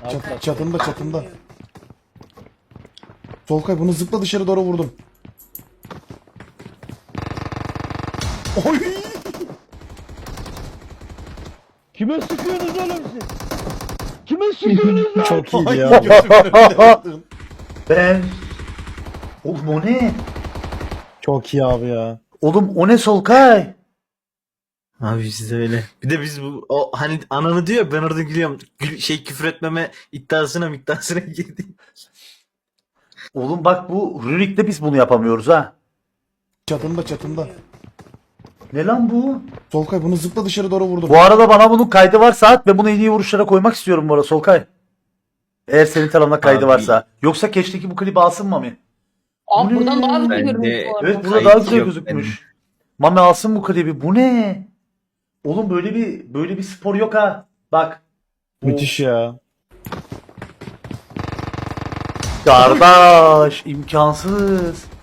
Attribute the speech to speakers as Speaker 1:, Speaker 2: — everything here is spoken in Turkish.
Speaker 1: Çatında çatında. Solkay bunu zıpla dışarı doğru vurdum. Oy!
Speaker 2: Kime sıkıyorsunuz oğlum siz? Kime sıkıyorsunuz lan?
Speaker 3: Çok iyiydi
Speaker 1: Ay,
Speaker 3: ya.
Speaker 1: gözümün önüne attın.
Speaker 4: Ben... Oğlum o ne?
Speaker 3: Çok iyi abi ya.
Speaker 4: Oğlum o ne Solkay?
Speaker 5: Abi bizde öyle. Bir de biz bu o hani ananı diyor ben orada gülüyorum. Küfür etmeme iddiasına girdik.
Speaker 4: Oğlum bak bu Rurik'te biz bunu yapamıyoruz ha.
Speaker 1: Çatında çatında.
Speaker 4: Ne lan bu?
Speaker 1: Solkay bunu zıpla dışarı doğru vurdum.
Speaker 4: Bu arada bana bunun kaydı varsa at ve bunu en iyi vuruşlara koymak istiyorum bu arada Solkay. Eğer senin tarafında kaydı
Speaker 5: Abi.
Speaker 4: varsa. Yoksa keşteki bu klibi alsın Mami.
Speaker 6: Abi
Speaker 4: Bu
Speaker 6: buradan
Speaker 4: ne?
Speaker 6: daha güzel
Speaker 5: Bence-
Speaker 6: görünüyor bu arada.
Speaker 4: Evet burada
Speaker 5: Kayıt
Speaker 4: daha güzel
Speaker 5: yok
Speaker 4: gözükmüş. Mami alsın bu klibi. Bu ne? Oğlum böyle bir spor yok ha. Bak.
Speaker 3: Müthiş ya.
Speaker 4: Kardeş imkansız.